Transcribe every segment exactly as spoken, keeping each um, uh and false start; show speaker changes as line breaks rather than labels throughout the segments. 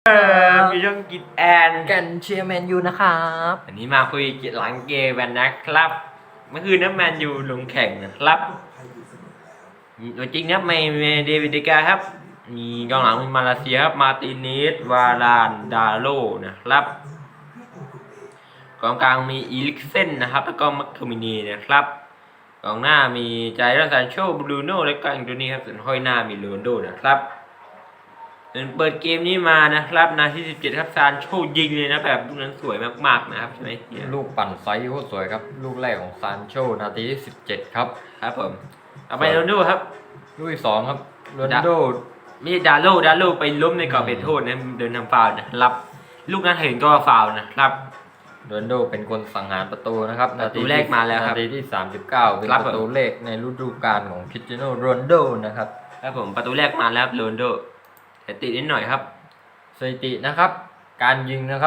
เออมีช่องกินแอน
กันเชียร์แมนยูนะครับ
อันนี้มาคุยหลังเกมกันนะครับเมื่อคืนน้ำแมนยูลงแข่งนะครับตัวจริงครับไม่เมเดวิดเดกาครับมีกองหลังมีมาเลเซียครับมาติเนสวาลานดาโลนะครับกองกลางมีอีลิกเซนนะครับแล้วก็มัคเคมินีนะครับกองหน้ามีไจรัสซานโชบรูโน่และก็อังโตนี่ครับส่วนห้อยหน้ามีโรนลโดนะครับเปิดเกมนี้มานะครับนาทีสิบเจ็ดครับซานโชยิงเลยนะแบบลูกนั้นสวยมากๆนะครับใช่ไหมเนี่ย
ลูกปั่นไซส์โคตรสวยครับ ลูกแรกของซานโชนาทีที่สิบเจ็ดครับ
ครับผมเอาไปโรนลโดครับ
ลูกที่สองครับโรนลโด
ไม่ใช่ดาโลดาโลไปล้มในกรอบเขตโทษนะเดินทำฟาวล์นะครับลูกนั้นเห็นก็ฟาวล์นะครับ
โรนลโดเป็นคนสังหารประตูนะครับ
ประตูแรกมาแล้วครับ
นาทีที่สามสิบเก้าเป็น
ครับ
ประตูแรกในฤดูกาลของคริสเตียโนโรนลโดนะครับ
ครับผมประตูแรกมาแล้วโรนลโดแต่ติดนิดหน่อยครับ
สถิตินะครับ การยิงนะครับ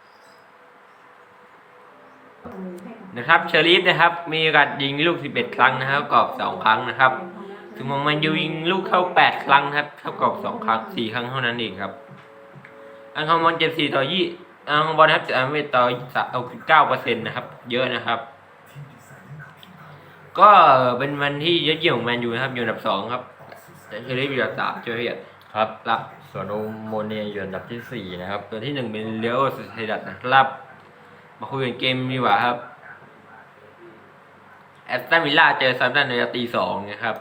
นะครับเชอรีฟนะครับมีโอกาสยิงลูกสิบเอ็ดครั้งนะครับกรอบสองครั้งนะครับถึงมองมันยูยิงลูกเข้าแปดครั้งครับเข้ากรอบสองครั้งสี่ครั้งเท่านั้นเองครับอันคอมบอลเจ็ดสี่ต่อยี่อันคอมบอลนะครับจะอันเวทต่อเอาเก้าเปอร์เซ็นต์นะครับเยอะนะครับก็เป็นวันที่ยอดเยี่ยมของแมนยูนะครับอยู่อันดับสองครับแต่เชอรีฟอยู่อันดับสามเจอเฮีย
ครับ
รับ
ส่วนโอโมเนียอยู่อันดับที่สี่นะครับ
ตัวที่หนึ่งเป็นเลี้ยวสเตดัตนะครับมาคุยกันเกมดีกว่าครับแอสตันวิลล่าเจอซัมตันในตีสองนะครับ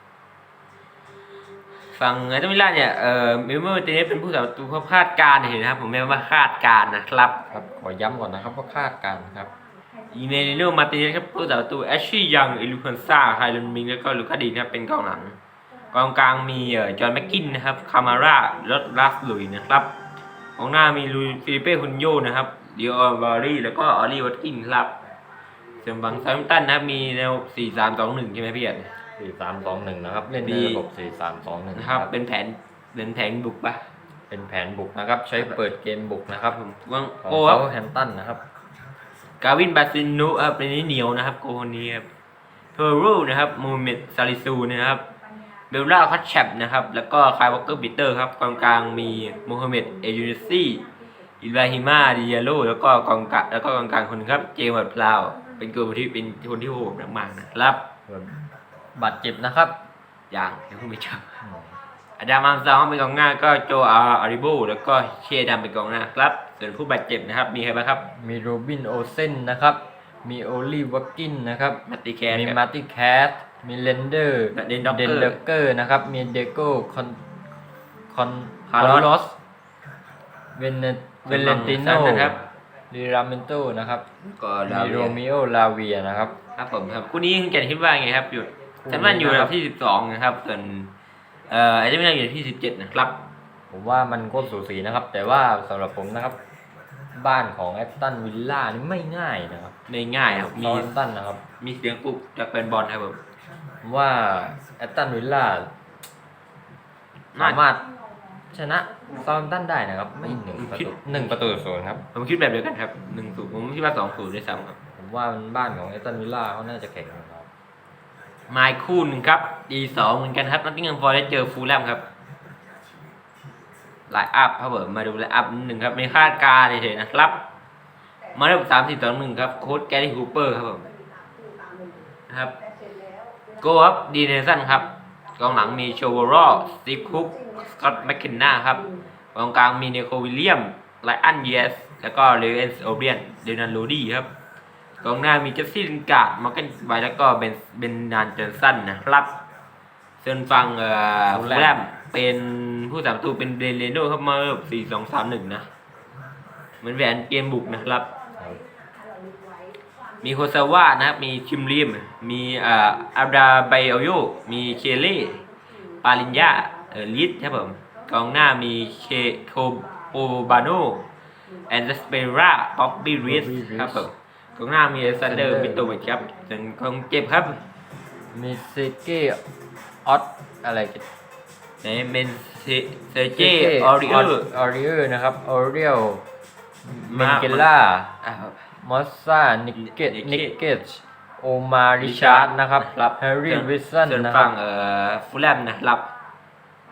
ฝั่งแอสตันวิลล่าเนี่ยเอ่อมิลเมอร์ตีนี้เป็นผู้สาประตูเขาคาดการณ์เห็นนะครับผมไม่ว่าคาดการณ์นะครับ
ครับขอย้ำก่อนนะครับว่าคาดการณ์ครับ
อีเมลิโนมาติเนสครับผู้สาประตูแอชชี่ยังอิลูคันซ่าไฮลันมิงแล้วก็ลูคาดีนะครับเป็นกองหลังกองกลางมีเอ่อจอห์นแม็กกินนะครับคามาร่าลอตลัสลุยนะครับกองหน้ามีลุยฟิลิเป้คุนโยนะครับดิโอวารีแล้วก็ออลลี่วัตกินครับส่วนฝั่งซัมตันนะครับมีแนวสี่สามสองหนึ่งใช่ไหมพี่เอ๋
สี่สามสองหนึ่งนะครับ เล่นในระบบสี่สามสองหนึ่ง
นะครับเป็นแผนเป็นแผนบุกปะ
เป็นแผนบุกนะครับ ใช้เปิดเกมบุกนะครับ
ผมว่าง
ของ
โก้ครับ
เซาท์แฮมป์ตันนะครับ
กาวินบาซินุครับเป็นนี้เหนียวนะครับโกคนนี้ครับเทอร์รูนะครับมูฮัมเหม็ดซาลิซูนะครับเบลล่าคัตแชปนะครับแล้วก็คายวอลเกอร์บิเตอร์ครับกองกลางมีมูฮัมเหม็ดเอยูนิซี่อิบราฮิมาดิยาโลแล้วก็กองกลางแล้วก็กองกลางคนนึงครับเจมส์พลาวเป็นตัวที่เป็นคนที่โหดมากๆนะครับ
บาดเจ็บนะครับ
อย่างยังไม่เจออาดามอัมซองเป็นกองหน้าก็โจอาอาริโบแล้วก็เชดัมเป็นกองหน้าครับส่วนผู้บาดเจ็บนะครับมีใครบ้างครับ
มีโรบินโอเซนนะครับ มีโอลีวักกินนะครับ
มาติแคร์
มี
ครับ
มาร์ติแคสมีเลนเดอร์
เดนด็อกเกอร์
เดนเกอร์นะครับ มีเดโก้คอนคอน
คาร์ลอส
สเวนเวเลนติโน
นะครับ
ดิราเมนโตนะครับ
ก็
มีโรมิโอลาเวียนะครับ
ครับผมครับคู่นี้คุณแกคิดว่าไงครับอยู่
คู่นี้
ฉันว่าอยู่อันดั
นะครับ บ
ที่สิบสองนะครับส่วนเอ่อไอ้ที่ไม่ได้อยู่ที่สิบเจ็ดนะครับ
ผมว่ามันก็สูสีนะครับ แต่ว่าสำหรับผมนะครับ บ้านของแอตตันวิลล่านี่ไม่ง่ายนะครับ
ในง่ายครับ
มี
มี
แอตตันนะครับ
มีเสียงปลุกจากแฟนบอลครับผม
ผมว่าแอตตันวิลล่า
น่า
สามารถชนะซา u ์ h ตันได้นะครับ ไม่หนึ่งประตูหนึ่งประตูศูนย์ครับ
ผมคิดแบบเดียวกันครับหนึ่งศูนย์ผมคิดว่าสองศูนย์ด้วยซ้ำครับ
ผมว่ามันบ้านของแอตตันวิลล่าเขาน่าจะแข่งกันครับ
ไมค์คู่หนึ่งครับดีสองเหมือนกันครับนัตติงแฮมฟอร์เรสต์เจอฟูลแลมครับไลน์อัพครับผมมาดูไลน์อัพหนึ่งครับไม่คาดการณ์เฉยๆนะครับมาเริ่มสามสี่สองหนึ่งครับโค้ชแกรี่ฮูเปอร์ครับผมนะครับโกครับดีเนสันครับกองหลังมีโชวอรอสตีฟคุกสกอตต์แมคเคนนาครับกองกลางมีเนโควิลเลียมไลอันเยสแล้วก็เลเวนส์โอเบียนเดนันโรดี้ครับกองหน้ามีเจสซี่ลินการ์ดมาร์เกนไวแล้วก็เบนเบนนานจอห์นสันนะครับส่วนฝั่งเอ่อฟูลแลมเป็นผู้สามประตูเป็นเดนเลโนครับมาแบบสี่สองสามหนึ่งนะเหมือนแหวนเกมบุกนะครับมีโคซาวะนะครับมีคิมริมมีเอ่ออับราไบโอโยมีเคเล่ปาลินยาเอ่อลิสครับผมกองหน้ามีเคโคโอบาโนแอนเดสเปราป๊อบบี้ริสครับผมกองหน้ามีเอซันเดอร์มิโตวิชครับส่วนกองเจ็บครับ
มีเซเกออสอะไรกัน
ในเมนเซเจออริเออร์
ออริเออร์นะครับออเรียลเม
มา
นเกล่า
อ่ะ
มอสซานิกเกต
นิ
นิ
ก
ก
เก
เก
ต
ตโอมาริชาร์ดนะครับ
ครับ
แฮร์รี่วิสสัน
ส่วน
นะครั
ฝั่
บ
งเอ่อฟูลแลมนะครับ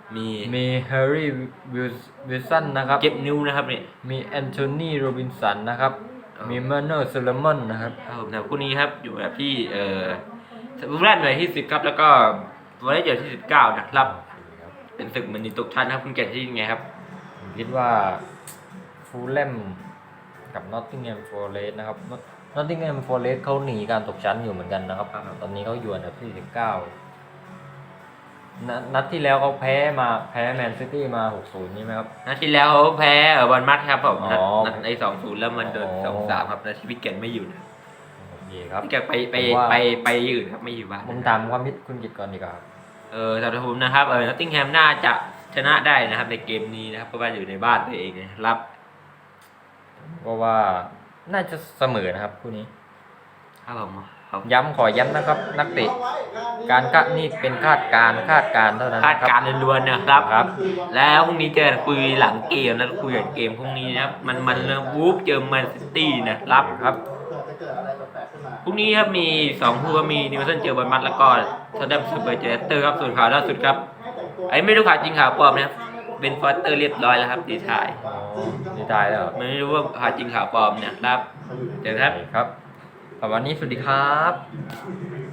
มี
มีแฮร์รี่วิลสันนะครับ
เจ็บนิ้วนะครับเนี่ย
มีแอนโทนีโรบินสันนะครับ
อ๋อ
มีเมอร์เนอร์โซลมอนนะครับ
ครับผมแต่คู่นี้ครับอยู่แบบที่เอ่อบูมแรดหน่วยที่สิบครับแล้วก็วอลเลย์เดี่ยวที่สิบเก้านะครับ เป็นศึกมันนีตกชั้นนะครับคุณแก่ที่ยังไงครับ
ผมคิดว่าฟูลแลมกับนอตติงแฮมฟอร์เรสต์นะครับนอตติงแฮมฟอร์เรสต์เขาหนีการตกชั้นอยู่เหมือนกันนะครับ
ครับ
ตอนนี้เขาอยู่อันดับที่สิบเก้านัดนัดที่แล้วเขาแพ้มาแพ้แมนซิตี้มา หกศูนย์ ใช่ไหมครับ
นัดที่แล้วเขาแพ้เออบอลมัดครับผมนัด
อ๋อ
นัดในสองศูนย์แล้วมันโดน
อ๋อ
สองสามครับนาทีวิกเกตไม่อยู่นะ
โอเคครับ
วิกเกตไปไป
ผมว่า
ไปไปอื่นครับไม่อยู่บ้าน
ผมถามความคิดคุณกิตก่อนดีกว่าครับ
เออสำหรับผมนะครับเออนอตติงแฮมน่าจะชนะได้นะครับในเกมนี้นะครับเพราะว่าอยู่ในบ้านตัวเองนะครับ
เพราะว่าน่าจะเสมอนะครับคู่นี้
ครับผมครับ
ย้ำขอย้ำนะครับ นักเตะการคาดนี่เป็นคาดการณ์คาดการณ์เท่านั้น
คาด
นะค
การ
บ
ณ์ล้วนๆนะครับ
ครับ
แล้วพรุ่งนี้เจอกันคุยหลังเกมนะคุยหลังเกมพรุ่งนี้นะครับมันมันวูฟเจอแมนซิตี้นะครับ
ครับ
พรุ่งนี้ครับมีสองคู่ก็มีนิวคาสเซิลเจอบอลมัดแล้วก็ทอตแนมสเปอร์เจอเลสเตอร์ครับส่วนข่าวล่าสุดครับไอ้ไม่รู้ข่าวจริงข่าวปลอมนะครับเป็นฟอสเตอร์เรียบร้อยแล้วครับดีทาย
อ๋อดีตายแล้วเหรอ
ไม่รู้ว่าข่าวจริงข่าวปลอมเนี่ยครับเจอกันครับ
ครับวันนี้สวัสดีครับ